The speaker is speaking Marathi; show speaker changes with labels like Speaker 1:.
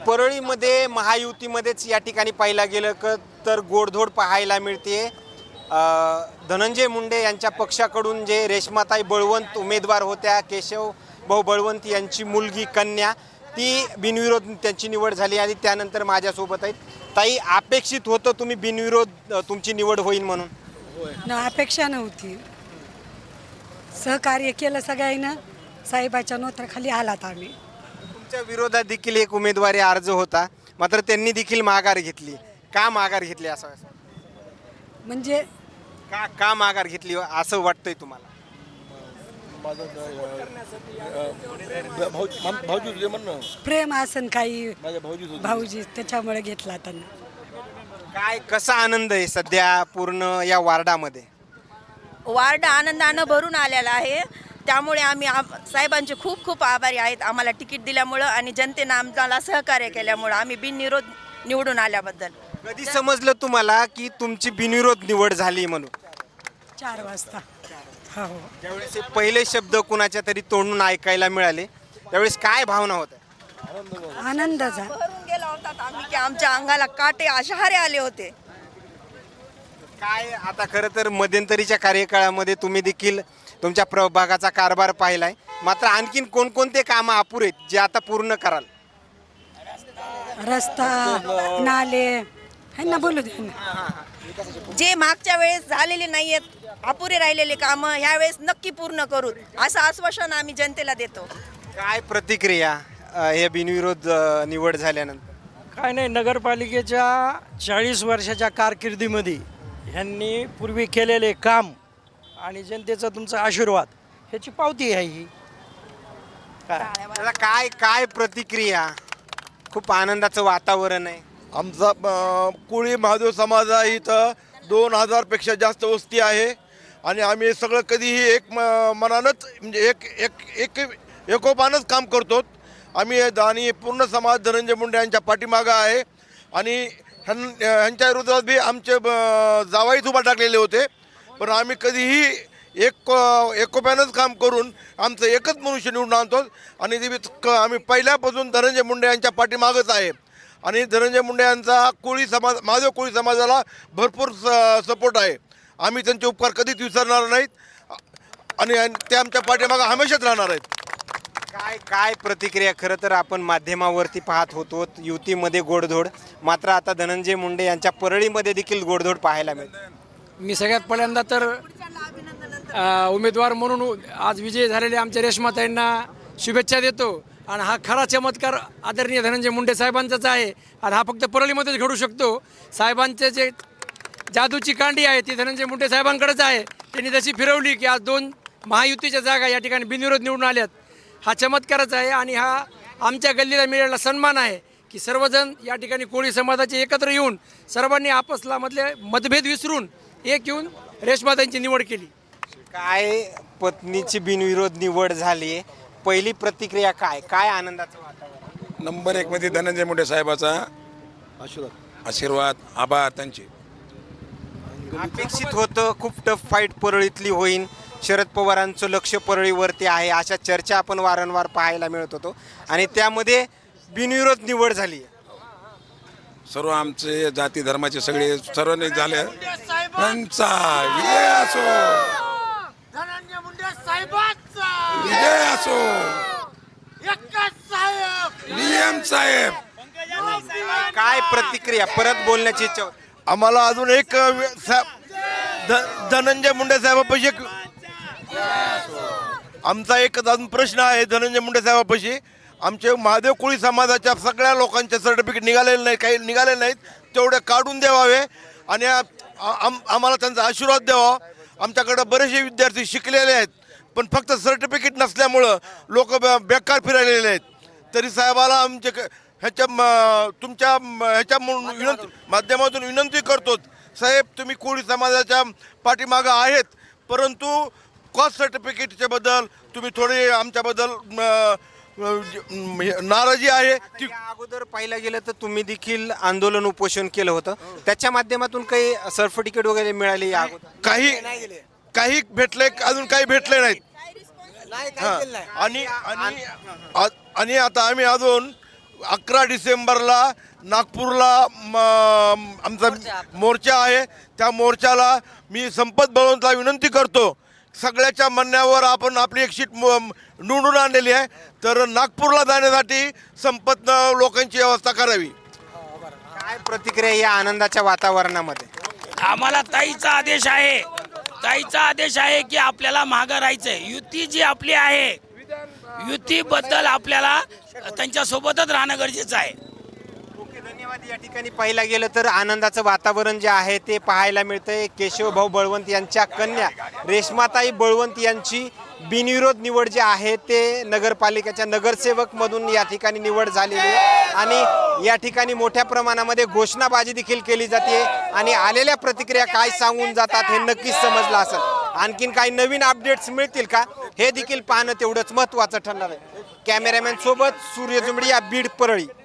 Speaker 1: परळीमध्ये महायुतीमध्येच या ठिकाणी पाहायला गेलं तर गोडधोड पाहायला मिळते। धनंजय मुंडे यांच्या पक्षाकडून जे रेश्माताई बळवंत उमेदवार होत्या, केशव भाऊ बळवंत यांची मुलगी कन्या, ती बिनविरोध त्यांची निवड झाली आणि त्यानंतर माझ्यासोबत आहेत ताई। अपेक्षित होतं तुम्ही बिनविरोध तुमची निवड होईल म्हणून?
Speaker 2: अपेक्षा नव्हती, सहकार्य केलं सगळ्यांना, साहेबाच्या नोत्राखाली आलात आम्ही।
Speaker 1: तुमच्या विरोधात देखील एक उमेदवारी अर्ज होता, मात्र त्यांनी देखील माघार घेतली। का माघार घेतली असं
Speaker 2: म्हणजे
Speaker 1: का माघार घेतली असं वाटतंय तुम्हाला?
Speaker 2: प्रेम असन काही भाऊजी त्याच्यामुळे घेतला त्यांना।
Speaker 1: काय कसा आनंद आहे सध्या पूर्ण या वार्डामध्ये?
Speaker 3: वार्ड आनंदानं भरून आलेला आहे, त्यामुळे आम्ही साहेबांचे खूप खूप आभारी आहेत आम्हाला तिकीट दिल्यामुळं आणि जनतेनं आम्हाला सहकार्य केल्यामुळं आम्ही बिनविरोध निवडून आल्याबद्दल।
Speaker 1: कधी समजलं तुम्हाला की तुमची बिनविरोध निवड झाली म्हणून?
Speaker 2: 4 वाजता। हो,
Speaker 1: त्यावेळेस पहिले शब्द कुणाच्या तरी तोंडून ऐकायला मिळाले, त्यावेळेस काय भावना होत्या?
Speaker 2: आनंद झाला।
Speaker 3: भरून गेला होता आम्ही की आमच्या अंगाला काटे शहारे आले होते।
Speaker 1: काय आता खरं तर मध्यंतरीच्या कार्यकाळामध्ये तुम्ही देखील तुमच्या प्रभागाचा कारभार पाहिलाय, मात्र आणखीन कोणकोणते कामं अपुरे आहेत जे आता पूर्ण कराल?
Speaker 2: रस्ता, नाले है ना, बोलू दे ना।
Speaker 3: जे मागच्या वेळेस झालेले नाही आहेत, अपुरे राहिलेले कामं ह्यावेळेस नक्की पूर्ण करू असं आश्वासन आम्ही जनतेला देतो।
Speaker 1: काय प्रतिक्रिया हे बिनविरोध निवड झाल्यानंतर?
Speaker 4: काय नाही, नगरपालिकेच्या 40 वर्षाच्या कारकिर्दीमध्ये ह्यांनी पूर्वी केलेले काम आणि जनतेचा तुमचा आशीर्वाद ह्याची पावती आहे ही।
Speaker 1: त्याला काय काय प्रतिक्रिया? खूप आनंदाचं वातावरण आहे।
Speaker 5: आमचा कोळी महादेव समाज आहे, इथं 2000पेक्षा जास्त वस्ती आहे आणि आम्ही सगळं कधीही एक मनानंच म्हणजे एक एकोपानंच काम करतो आम्ही। आणि पूर्ण समाज धनंजय मुंडे यांच्या पाठीमागं आहे आणि ह्यांच्या विरोधात बी आमचे जावाईच उभा टाकलेले होते, पण आम्ही कधीही एकोप्यानंच काम करून आमचं एकच मनुष्य निवडून आणतो आणि आम्ही पहिल्यापासून धनंजय मुंडे यांच्या पाठीमागच आहे आणि धनंजय मुंडे यांचा कोळी समाज, महादेव कोळी समाजाला भरपूर सपोर्ट आहे। आम्ही त्यांचे उपकार कधीच विसरणार नाहीत आणि ते आमच्या पाठीमागं हमेशाच राहणार आहेत।
Speaker 1: काय काय प्रतिक्रिया? खरं तर आपण माध्यमावरती पाहत होतो युतीमध्ये गोडधोड, मात्र आता धनंजय मुंडे यांच्या परळीमध्ये देखील गोडधोड पाहायला मिळते।
Speaker 4: मी सगळ्यात पहिल्यांदा तर उमेदवार म्हणून आज विजयी झालेले आमच्या रेश्माताईंना शुभेच्छा देतो आणि हा खरा चमत्कार आदरणीय धनंजय मुंडे साहेबांचाच आहे आणि हा फक्त परळीमध्येच घडू शकतो। साहेबांचे जे जादूची कांडी आहे ती धनंजय मुंडे साहेबांकडेच आहे। त्यांनी जशी फिरवली की आज 2 महायुतीच्या जागा या ठिकाणी बिनविरोध निवडून आल्यात, हा चमत्कारच आहे आणि हा आमच्या गल्लीला मिळालेला सन्मान आहे की सर्वजण या ठिकाणी कोळी समाजाचे एकत्र येऊन सर्वांनी आपसला मधले मतभेद विसरून एक येऊन रेश्माताईंची निवड केली।
Speaker 1: काय पत्नीची बिनविरोध निवड झाली आहे, पहिली प्रतिक्रिया काय? काय आनंदाचं वातावरण?
Speaker 6: नंबर 1 मध्ये धनंजय मुंडे साहेबाचा आशीर्वाद, आभार त्यांचे।
Speaker 1: अपेक्षित होतं खूप टफ फाईट परळीतली होईल, शरद पवारांचं लक्ष परळीवरती आहे अशा चर्चा आपण वारंवार पाहायला मिळत होतो आणि त्यामध्ये बिनविरोध निवड झाली।
Speaker 6: सर्व आमचे जाती धर्माचे सगळे सर्वांनी झाले त्यांचा विजय असो,
Speaker 7: धनंजय मुंडे साहेबांचा
Speaker 6: विजय असो,
Speaker 7: एकच साहेब,
Speaker 6: नियम साहेब।
Speaker 1: काय प्रतिक्रिया? परत बोलण्याची इच्छा होती।
Speaker 5: आम्हाला अजून एक धनंजय मुंडे साहेबापाशी आमचा एक अजून प्रश्न आहे धनंजय मुंडे साहेबापाशी। आमचे महादेव कोळी समाजाच्या सगळ्या लोकांचे सर्टिफिकेट निघालेले नाही, काही निघाले नाहीत, तेवढे काढून द्यावावे आणि आम्हाला त्यांचा आशीर्वाद द्यावा। आमच्याकडे बरेचसे विद्यार्थी शिकलेले आहेत पण फक्त सर्टिफिकेट नसल्यामुळं लोक बेकार फिरायलेले आहेत, तरी साहेबाला आमचे तुमच्या माध्यमातून विनंती करतो, साहेब तुम्ही कोळी समाजाच्या पाठीमागं आहेत, परंतु कास्ट सर्टिफिकेटच्या बद्दल तुम्ही थोडे आमच्याबद्दल नाराजी आहे ती।
Speaker 1: अगोदर पाहिलं गेलं तर तुम्ही देखील आंदोलन उपोषण केलं होतं, त्याच्या माध्यमातून काही सर्टिफिकेट वगैरे मिळाली?
Speaker 5: काही भेटले, अजून काही भेटले नाहीत। आणि आता आम्ही अजून 11 डिसेंबरला नागपूरला आमचा मोर्चा आहे. त्या मोर्चाला मी संपत बळवंतला विनंती करतो, सगळ्याच्या म्हणण्यावर आपण आपली एक शीट निवडून आणलेली आहे, तर नागपूरला जाण्यासाठी संपत लोकांची व्यवस्था करावी.
Speaker 1: काय प्रतिक्रिया या आनंदाच्या वातावरणामध्ये?
Speaker 8: आम्हाला ताईचा आदेश आहे, ताईचा आदेश आहे की आपल्याला मागं राहायचंय. युती जी आपली आहे, युतीबद्दल आपल्याला त्यांच्यासोबतच राहणं गरजेचं आहे.
Speaker 1: ओके, धन्यवाद. या ठिकाणी पाहायला गेलं तर आनंदाचं वातावरण जे आहे ते पाहायला मिळतंय. केशवभाऊ बळवंत यांच्या कन्या रेश्माताई बळवंत यांची बिनविरोध निवड जी आहे ते नगरपालिकेच्या नगरसेवकमधून या ठिकाणी निवड झालेली आहे आणि या ठिकाणी मोठ्या प्रमाणामध्ये घोषणाबाजी देखील केली जाते आणि आलेल्या प्रतिक्रिया काय सांगून जातात हे नक्कीच समजलं असेल. आणखीन काही नवीन अपडेट्स मिळतील का हे देखील पाहणं तेवढंच महत्त्वाचं ठरणार आहे. कॅमेरामॅन सोबत सूर्य जुंबडी, या बीड परळी.